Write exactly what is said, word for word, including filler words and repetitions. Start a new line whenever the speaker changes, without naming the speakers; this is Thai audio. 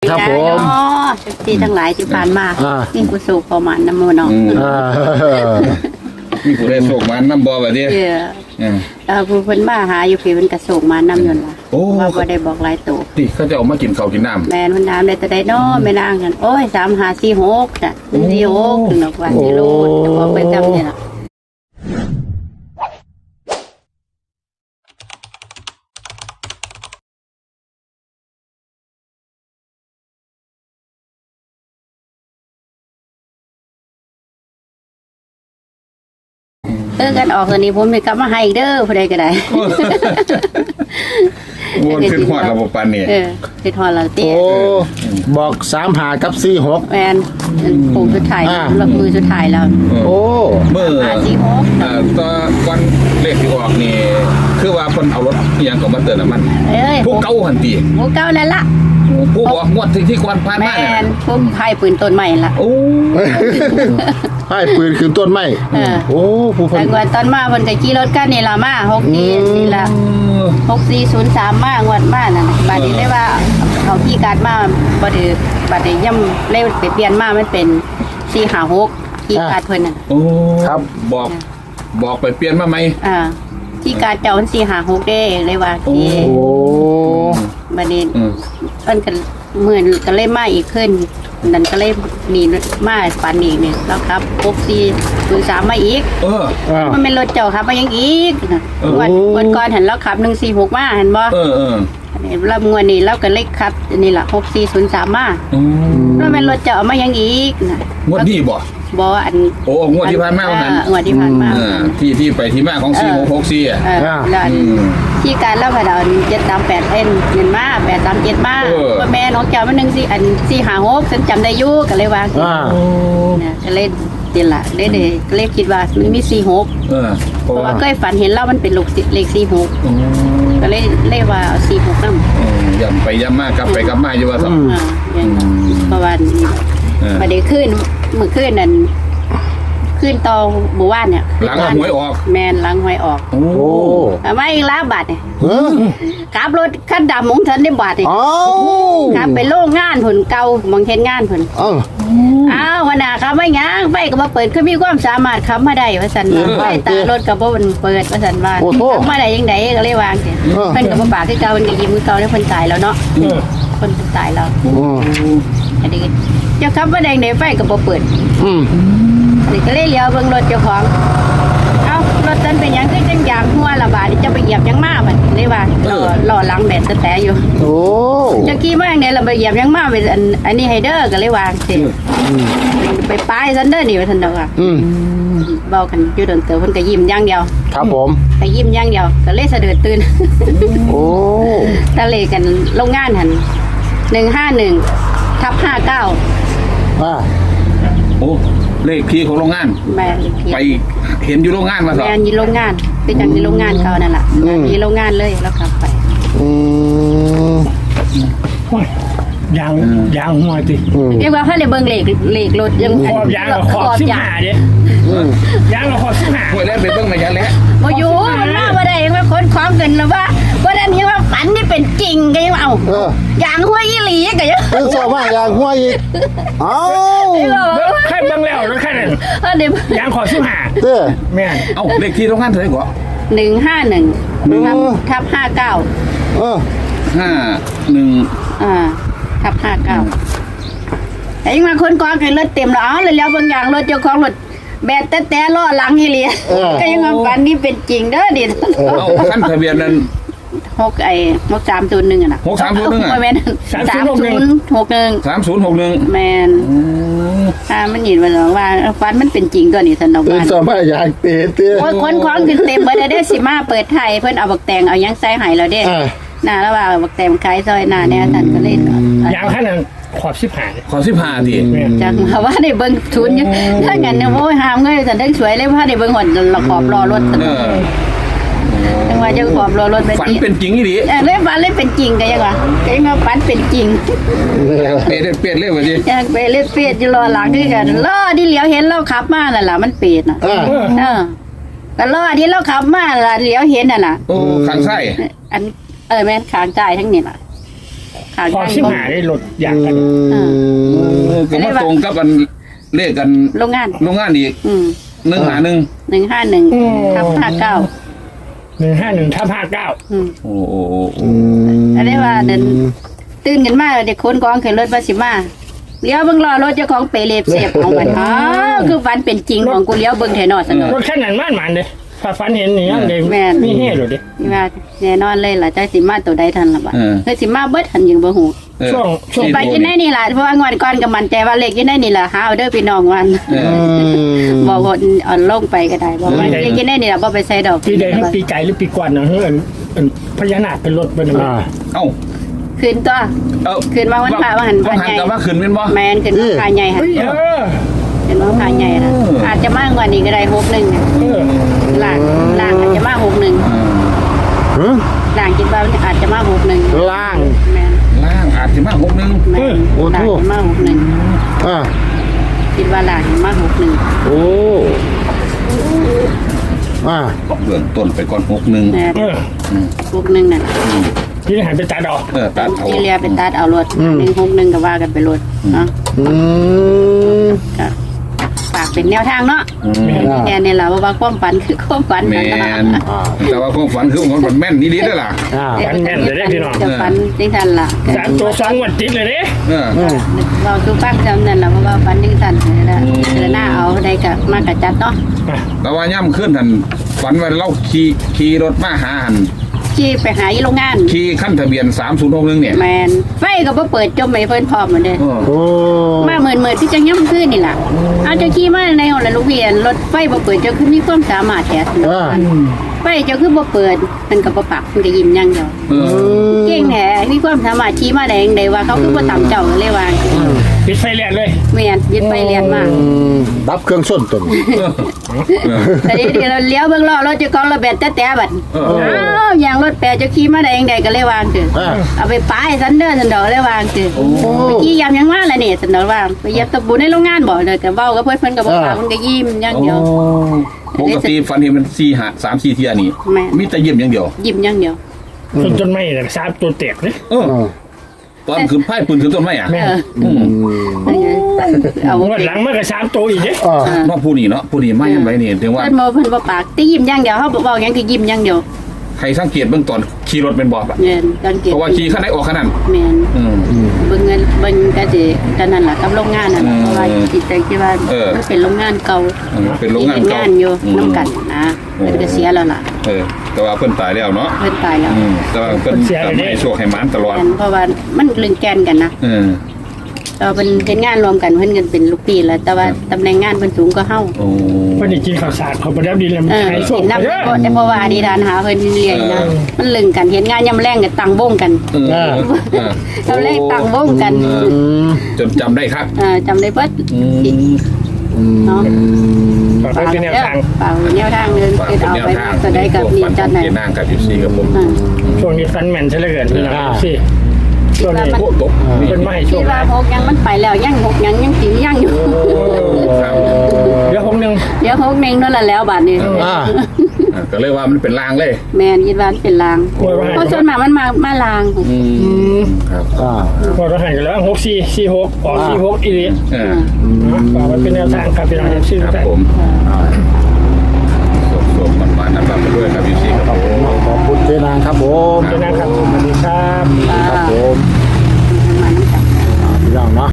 ครับผม
ที่ทั้งหลายที่ผ่านมานี่กูสูบประมาณน้ำมันเนาะ
มีผู้ได้โศกมันน้ำบ่แบบนี้
เออผู้เพิ่นมาหาอยู่พี่เพิ่นกระโศกมาน้ำยนต์ล่ะว่าบ่ได้บอกหลายตัว
ที่เขาจะเอามากินข้าวกินน้ำ
แม่นมันน้ำได้แต่ได้น้อไม่นางกันโอ้ยสามห้าสี่หกจ้ะสี่หกถึงดอกว่าสิโลจะบอกไปจำเนี่ยล่ะเออกันออกตัวนี้ผมมีกลับมาให้เด้อผู้ใดก็ได้
วนขึ้นหอดระบบปันนี่
เออขึ้นหอดเราเตี้ย
โอ้บอกสามหากับสี่หก
แมนปุ่มสุดท้ายรับมือสุดท้ายแล้ว
โอ้
เมื่อ
สี่หก
อ่าตอนวันเลขที่ออกนี่คือว่าคนเอารถยังของมาเติมน้ำมันพวกเก้าหันตี
พวกเก้านั่นละ
ผู้บอกงวดที่ที่ควันพานมา
เนี่ยแมนพวกไพ่ปืนต้นใหม่ละ
โอ้
ไพ่ปืนคือต้นไม้โอ้ผู้
พันแต่ตอนมาคนกับขี่รถกันนี่ละมาหกสี่นี่ละหกสี่ศูนย์สามมางวดมานั่นบัดนี้ได้ว่าเขาขี่การมาบัดนี้บัดนี้ย่ำเล่ไปเปลี่ยนมามันเป็นสี่ห้าหกขี่การเพิ่นน่ะ
โอ้ครับบอกบอกไปเปลี่ยนมาไหม
อ่าที่การเจ้าสี่ห้าหกได้เลยว่าที่
โอ้
บัดนี้เพิ่นกันเหมือนก็เลยมาอีกขึ้นนั่นก็เลยมีมาปันอีกเนี่ยแล้วครับหกสี่ศูนย์สามมาอีก
เออ
มันเป็นรถเจ้าครับมายังอีกวันวันก่อนเห็นแล้วขับหนึ่งสี่หกมาเห็นบ่
เออเออ
รับงวดนี้แล้วก็เลขครับนี่แหละหกสี่ศูนย์สามมาแล้วเป็นรถเจ้ามายังอีกนะ
งวดนี้บ่
บ่อัน
โอ้งวดที่ผ่านมา
อันงวดที่ผ่านมา
ที่ที่ไปที่มาของสี่หกหกสี่อ่ะ
แล้วที่การเล่าผ่านเจ็ดสามแปดเอ็นเงินมาแปดสามเจ็ดมาว่าแม่น้องเจ้ามันหนึ่งสี่อันสี่ห้าหกฉันจำได้ยุ่กันเลยวางนะก็เล่นเดี๋ยวละเล่นเด็กเล่นคิดว่ามันมีสี่หกเพราะว่าเคยฝันเห็นเล่ามันเป็นลูกเลขสี่หกก็เล่นเล่นว่าสี่หกนั่ง
ย่ำไปย่ำมากกลับไปกลับมาอยู่ว่าสัก
ประมาณนี้ประเดี๋ยวขึ้นเมื่อขึ้นนั่นขึ้นตอหมู่บ้านเนี่ย
หลังหวยออก
แมนหลังหวยออก
โอ้
ไม่ล้าบาทเนี่ยขับรถขั้นดำมงเถินได้บาทเนี่ยขับไปโล่งงานผลเก่ามองเห็นงานผลอ้าววันน่ะขับไม่ยั้งไฟก็มาเปิดคือมีความสามารถขับมาได้ว่าสันไฟตารถกับมันเปิดว่าสันว่าขับมาได้ยังไงก็เลยวางเสียเพิ่นกับมาปากคือเก่าเพิ่นก็ยิ้มคือเก่าแล้วเพิ่นตายแล้วเนาะคนตายแล้วอันนี้เจ้าขับมาแดงในไฟก็บ่เปิดนี่ก็เลยเลี้ยวเบิ่งรถเจ้าของเอ้ารถตันเป็นยังคือจังยางหัวละบาดจะไปเหยียบยังมามันเลยว่าหล่อหลังแดดแต่อยู่
โอ้
จะขี่มาอย่างนี้เราไปเหยียบยังมาไปอันอันนี้ไฮเดอร์ก็เลยวางเสร็จไปป้ายซันเดอร์นี่ไปทันเดียวอ่ะเบากันอยู่เดินเต๋อเพิ่นก็ยิ้มอย่างเดียว
ครับผม
ก็ยิ้มอย่างเดียวก็เลยสะดุดตื่น
โอ้
ตะเลกันโรงงานหันหนึ่งห้าหนึ่งทับห้าเก้า
อ่า
โอ้เลขที่ของโรงงาน
แม่
ไปเห็นอยู่โรงงานมาสิ
แม่อยู่โรงงานไปจังที่โรงงานเขานั่นแหละมีโรงงานเลยแล้วขับไป
อืม
ยางยางหัวติ
เรียกว่าถ้าในเบิ้งเหล็กเหล็กรถยัง
ขอบยางขอบสิบห้าเด้ยางขอบสิบห้า
หัวแรกไปเบิ้งมายันแล้ว
มาอยู่มันมาบ่ได้ยังว่าคนคล้องกันหรือว่าว่าดันยังว่าฝันนี่เป็นจริงก็ยังเอายางหัวยี่หลีก็ยัง
เป็นสอบว่ายางหัวอีกเอ้า
แค่เบิ้งแล้วแล้วแค่นั้นยางขอบสิบห้า
เด้อ
แม่
เอ้าเลขที่โรงงานเท่าไหร่ก่อน
หนึ่งห้าหนึ่งทับห้าเก้า
เออ
ห้าหนึ่ง
อ่าทับห้าเก้าแต่ยังมาคนกองกันรถเต็มแล้วเอาเลยแล้วบางอย่างรถเจ้าของรถแบตแต่แต่ล้อหลังยี่หลีก็ยังว่าฝันนี่เป็นจริงเด้อดิ
เอาขั้นทะเบียนนั้น
หกไอ้หกสามศูนย์หนึ่งอ่ะ
หกสามศูนย์หนึ่งอ่ะ
แมนสามศูนย์หกหนึ่ง
สามศูนย์หกหนึ่ง
แมนอ่ามันหยินมาหรอว่าฟันมันเป็นจริงตัวนี้สนอง
บ้านเป็นสมัยอย่างเตะเตะ
โอ้ยคนคล้องขึ้นเต็มเบอร์ได้สิมาเปิดไทยเพิ่นเอาบักแตงเอายังใส่หายเราเด้น่าแล้วว่าบักแตงขายซอยหน้าเนี่ยท่านก็เล่น
ยางแค่นั้นขอบสิบห้า
ขอบสิบห้าดิ
จังว่าได้เบิ่งทุนอยู่ถ้างั้นเนี่ยโอ้ยหามเงยแต่ได้สวยเลยว่าได้เบิ่งหดละขอบรอรถจังว่าจะขอบรอรถ
ฝันเป็นจริงอีหลี
เออเล่นฝันเล่นเป็นจริงก็ยังว่าก็ยังว่าฝันเป็นจริง
เปรตเปรตเล่นว่าดิ
ยังเปรตเล่นเปรตอยู่รอหลังคือกันล้อที่เหลียวเห็นเราขับมานั่นล่ะมันเปรตน่ะเออก็ล้อที่เราขับมาล่ะเหลียวเห็นน่ะน่ะ
โอ้ข้างซ้าย
อันเออแม่นข้างซ้ายทั้งนี้ล่ะขขาง
พอ
ทาง
ชิมหาได้รถอยากกัน
ก็มาตรงกับกันเลขกัน
โรงงาน
โรงงานอีก
อืม
หนึ่งหาหนึ่ง
หนึ่งห้าหนึ่งทับห้าเก้า
หนึ่งห้าหนึ่งทับห้าเก้า
อืม
โอ้โห
อันนี้ว่าเดินตื่นกันมาเด็กคนกองขึ้นรถบัสสิมาเลี้ยวเบิ่งรอรถเจ้าของเปรย์เสียบของมันอ๋อคือฝันเป็นจริงของกูเลี้ยวเบิ่งแถวนอสนอ
รถแค่นั้นมันมันเลยถ้าฝันเห็นนี่ยังเด็ก
แม่น
มีเฮ่หรอดิ
นี่ว่าแน่นอนเลยล่ะจักสิมาตัวใดทันล่ะบัดเฮ้ยสิมาเบิดทันยังบ่ฮู้
ช่วงช่วง
ไปกินได้นี่ล่ะเพราะว่างวดก่อนก็มั่นใจว่าเลขกินได้นี่ล่ะหาเอาเด้อพี่น้องวัน
เออ
บ่ว่าอ่อนลงไปก็ได้บ่ว่าเลขกินได้นี่ล่ะบ่ไปใส่ดอก
ปีใดให้ปีไก่หรือปีก่อนนะเฮ้ยพญานาคเป็นรถเป็นอะไร
อ่า
เอ้า
คืนตัว
เอ้า
คืนมาวันพระว่าหันพ
วั
ระ
นหัน
ใหญ่
กับว่าขึ้นเป็นบ่
แม่นขึ้นมาพระใหญ่หั่น
เออ
ขึ้นมาพระใหญ่น่ะอาจจะมากกว่านี้ก็ได้หกหนึ่งน่ะ
เออ
ล่างล่างอาจจะมาหกหนึ่ง
ฮะ
ล่างคิดว่าอาจจะมาหกหนึ่ง
ล่าง
แม่น
ล่างอาจจะมาหกหนึ่ง
แม่น
โอ้โห
ล่างจะมาหกหนึ่ง
อ่า
คิดว่าล่างจะมาหกหนึ่ง
โอ้อ่า
เบื้องต้นไปก่อนหกหนึ่ง
แม่น
เออ
หกหนึ่งนั่น
พี่หันไปตัดดอก
เออตัดเอา
ที่เรียเป็นตัดเอารถหนึ่งหกหนึ่งก็ว่ากันไปรถเนาะ
อืม
ก็ฝากเป็นแนวทางเนาะ
อืม
อ่า
แน่นี่แหละว่าความฝันคือความฝัน
แมนแต่ว่าความฝันคือความฝันแม่นนี่ดีด้วยล่ะ
อ่า
ฝันแม่นเลยได้พี่น้อง
จะฝันจริงทันล่ะ
สามตัวสองวันติดเลยเด้
เออ
อืม
เราคือฟังจำนั่นแหละเพราะว่าฝันจริงทันนี่แหละเจอหน้าเอาได้กับมากกับจัดเนาะ
แต่ว่าย่ำขึ้นหันฝันว่าเราขี่ขี่รถมาหาหัน
ที่ไปหาอีโรงงาน
ขี่ขั้นทะเบียนสามศูนย์หกหนึ่งเนี่ย
แมนไฟก็บ่เปิดจมไม่เพิ่นพร้อมเหมือนเดิม
เออ
โอ้
มาเหมือนเหมือนที่จะย่ำขึ้นนี่ล่ะเอาเจ้าขี่มาในห้องละลูกเวียนรถไฟบ่เปิดเจ้าคือมีความสามารถแท้สิ
อ่า
ไฟเจ้าคือบ่เปิดมันก็บ่ปักมันก็ยิ้มอย่างเดียว
เออ
เก่งแท้มีความสามารถขี่มาได้จังไดว่าเขาคือบ่ตามเจ้าก็เลยว่า
ปิดไฟแลนเลย
แม่นยึดไปเรียนมา
อืมดับเครื่องส้นตน
เออ
แต่เดี๋ยวเราเลี้ยวเบิ่งล้อรถเจ้าของระเบิดแต่แต่บัด
เออ
อ้าวอย่างรถแปรเจ้าขี่มาได้จังไดก็เลยวางเถอะ
อ่า
เอาไปป้ายซันเดอร์ซันดอกเลยวางเถอะ
โอ้
เมื่อกี้ยำยังว่าละเนี่ยสันดอกว่าไปเหยียบตะปูในโรงงานบ่เลยกับเบ้ากับเพื่อนเพิ่นกับบ่ปากมันก็ยิ้มอย่างเดียว
ปกติฝันเห็นมันสี่หาสามสี่เทียนี่
แม่
มีแต่ยิ้มอย่างเดียว
Ờ.
ยิ้มอย่างเดียว
จนจนไม่เลยสามตัวเตะเลย
เออ
อ่า
ตอนขึ้นไพ่ปืนขึ้นต้นไม้อ่ะ
แม่
เออ
อืม
เอา
งวดหลังมันก็สามตัวอีกเด้
อ่า
เนอกผู้นี้เนาะผู้นี้ไม่ยังไงนี่ถึงว่า
เพิ่นบ่เพิ่นบ่ปากแต่ยิ้มอย่างเดียวเฮาบ่เว้าหยังคือยิ้มอย่างเดียว
ใครสังเกตเบื้องตอนขี่รถเป็นบอบอ่ะ
เงินกันเก็บ
เพราะว่าขี่ขั้นไหนออกขนาด
แม่น
อืม
เบิ่งเงินเบิ่งก็สิกันนั่นล่ะกับโรงงานนั่นล่ะเพราะว่าจิตใจคิดว่า
เออ
มันเป็นโรงงานเก่า
อืมเป็นโรงงาน
ที่ฮ็ด
เก่าง
านอยู่
อืม
นํกันนะเพิ่นก็เสียแล้วล่ะ
เออ แต่ว่าเพิ่นตายแล้วเนาะ
เพิ่นตายแล้ว
อืมแต่ว่าเพิ่นทำให้โชคให้หมานตลอด
แม่นเพราะว่ามันลึงแกนกันนะ
เออ
เราเป็นเป็นงานรวมกันเพิ่นกันเป็นลูกปีแล้วแต่ว่าตำแหน่งงานเพิ่นสูงก็เฮา
โอ้
พอดีกินข้าวสารเขาไปแล้วดีเลย
เออ
ใช้ส่ง
เห็น
ไป
นับ
เยอะ
เพราะเพราะว่าอดีตานหาเพิ่นเรียนนะมันลึงกันเห็นงานยามแรงกันตั้งวงกัน
เออเออ
เราแรกตั้งวงกัน
เออ
อืม
จนจำได้ครับ
เออจำได้เบิด
อืม
อืม
เนาะ
ฝากไว้เป็นแนวทาง
เปล่าแนวทางเงิน
ฝาก
คือ
เป็น
เอา
แนว
ไป
ทาง
ก็ได้กับนี่
ฝันข
จั
อ
ด
ง
ไหน
เจนางกับยูซีกับผม
อ่า
ช่วงนี้ฟันแมนใช่เลยเกินพี่น้องสิช่วงนี้
โอ้ตกนี่
เป็นไม่ช่
คิ
ว
ด
ง
ว่าหกยังมันไปแล้วยังหกยังยังสิยังอยู่
ครับ
เดี๋ยวผมหนึ่ง
เดี๋ยวหกเน่งนั่นแหละแล้วบาดนี้
อ่า
อ่ะก็เลยว่ามันเป็นลางเลย
แม่นคิดว่ามันเป็นลางเพราะส่วนมากมันมามาลาง
อืมครับ
อ่า
พอเราหันกันแล้วหกสี่สี่หกออกสี่หกอีเลีย
เออ
ฝากไว้เป็นแนวทางครับพี่น้องชื่อ
ครับ
แต่
ผมสวมๆมันๆนะครับไปด้วยครับยูซีครับผม
ขอบคุณเจนางครับผม
เป็นนะครับสวัสดีครับ
อ่า